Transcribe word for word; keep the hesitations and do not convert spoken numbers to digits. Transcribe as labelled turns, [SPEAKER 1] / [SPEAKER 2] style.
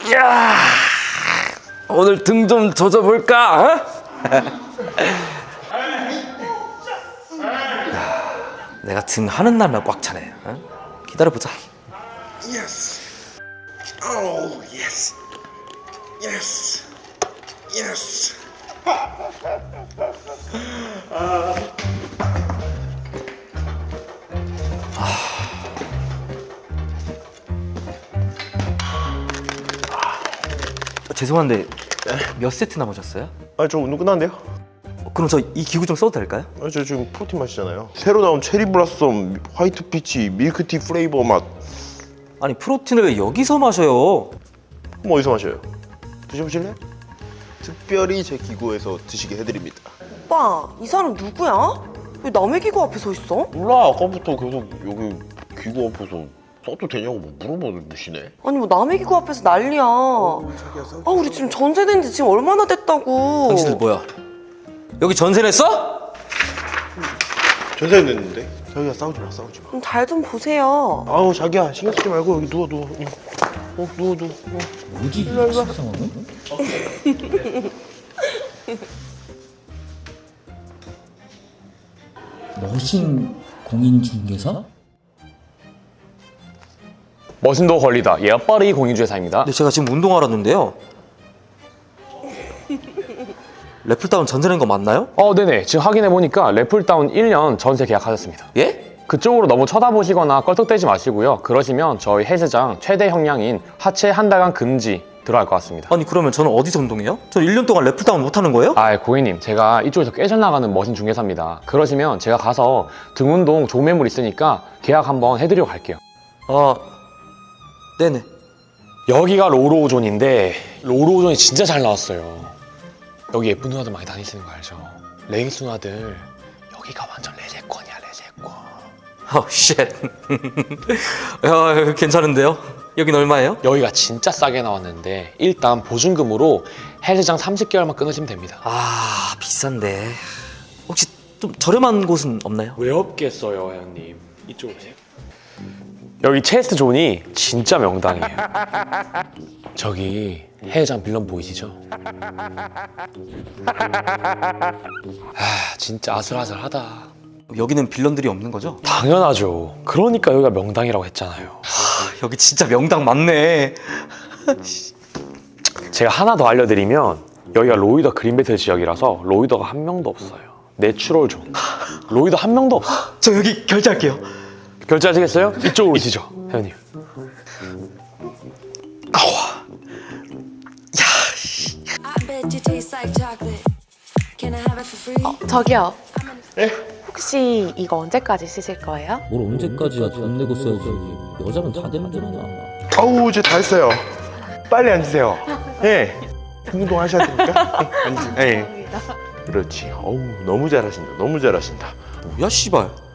[SPEAKER 1] 야, 오늘 등 좀 젖어볼까? 어? 야, 내가 등 하는 날만 꽉 차네. 어? 기다려보자.
[SPEAKER 2] Yes. Oh, yes. Yes. Yes.
[SPEAKER 1] 어, 죄송한데 몇 세트 남으셨어요?
[SPEAKER 2] 아, 저 운동 끝났는데요?
[SPEAKER 1] 어, 그럼 저 이 기구 좀 써도 될까요?
[SPEAKER 2] 아, 저 지금 프로틴 마시잖아요. 새로 나온 체리 블라썸, 화이트 피치, 밀크티 플레이버 맛.
[SPEAKER 1] 아니 프로틴을 왜 여기서 마셔요?
[SPEAKER 2] 그럼 어디서 마셔요? 드셔보실래요? 특별히 제 기구에서 드시게 해드립니다.
[SPEAKER 3] 오빠, 이 사람 누구야? 왜 남의 기구 앞에 서 있어?
[SPEAKER 2] 몰라, 아까부터 계속 여기 기구 앞에서 써도 되냐고 뭐 물어보시네.
[SPEAKER 3] 아니 뭐 남의 기구 앞에서 난리야. 아, 우리 지금 전세 낸 지 지금 얼마나 됐다고.
[SPEAKER 1] 당신들 뭐야? 여기 전세 냈어?
[SPEAKER 2] 전세 냈는데? 자기야, 싸우지 마, 싸우지 마.
[SPEAKER 3] 잘 좀 보세요.
[SPEAKER 2] 아우, 자기야, 신경 쓰지 말고 여기 누워, 누워. 어, 누워, 누워. 어.
[SPEAKER 4] 뭐지 이 상황은? 머신 공인중개사?
[SPEAKER 5] 머신도 걸리다 예빠르이 공인중개사입니다.
[SPEAKER 1] 근데 제가 지금 운동하러 왔는데요. 래플다운 전세 낸 거 맞나요?
[SPEAKER 5] 어, 네네. 지금 확인해보니까 래플다운 일 년 전세 계약하셨습니다.
[SPEAKER 1] 예?
[SPEAKER 5] 그쪽으로 너무 쳐다보시거나 껄떡대지 마시고요. 그러시면 저희 헬스장 최대 형량인 하체 한 달간 금지 들어갈 것 같습니다.
[SPEAKER 1] 아니 그러면 저는 어디서 운동해요? 저 일 년 동안 래플다운 못 하는 거예요?
[SPEAKER 5] 아, 고객님, 제가 이쪽에서 깨져나가는 머신 중개사입니다. 그러시면 제가 가서 등 운동 좋은 매물 있으니까 계약 한번 해드리고 갈게요.
[SPEAKER 1] 아, 네네.
[SPEAKER 5] 여기가 로로오존인데 로로오존이 진짜 잘 나왔어요. 여기 예쁜 누나들 많이 다니시는 거 알죠? 레깅스 누나들 여기가 완전 레제권이야, 레제권.
[SPEAKER 1] 어, 쉣. 야, 괜찮은데요? 여긴 얼마예요?
[SPEAKER 5] 여기가 진짜 싸게 나왔는데 일단 보증금으로 헬스장 삼십 개월만 끊으시면 됩니다.
[SPEAKER 1] 아, 비싼데. 혹시 좀 저렴한 곳은 없나요?
[SPEAKER 5] 왜 없겠어요, 회원님. 이쪽으로 오세요. 여기 체스트 존이 진짜 명당이에요. 저기 헬스장 빌런 보이시죠? 아, 진짜 아슬아슬하다.
[SPEAKER 1] 여기는 빌런들이 없는 거죠?
[SPEAKER 5] 당연하죠. 그러니까 여기가 명당이라고 했잖아요.
[SPEAKER 1] 여기 진짜 명당 많네.
[SPEAKER 5] 제가 하나 더 알려드리면 여기가 로이더 그린벨트 지역이라서 로이더가 한 명도 없어요. 내추럴 존. 로이더 한 명도 없어.
[SPEAKER 1] 저 여기 결제할게요.
[SPEAKER 5] 결제하시겠어요? 이쪽으로 오시죠, 회원님.
[SPEAKER 6] I bet you taste like chocolate. Can I have it for free?
[SPEAKER 7] 어, 저기요.
[SPEAKER 2] 네?
[SPEAKER 7] 혹시 이거 언제까지 쓰실 거예요?
[SPEAKER 4] 뭘 언제까지야 돈 내고 써야지. 여자는 다 되는 줄 아나.
[SPEAKER 2] 아우, 이제 다 했어요. 빨리 앉으세요. 예. 운동 하셔야 되니까. 예, 앉으세요. 예. 그렇지. 어우, 너무 잘하신다. 너무 잘하신다.
[SPEAKER 1] 뭐야, 씨발.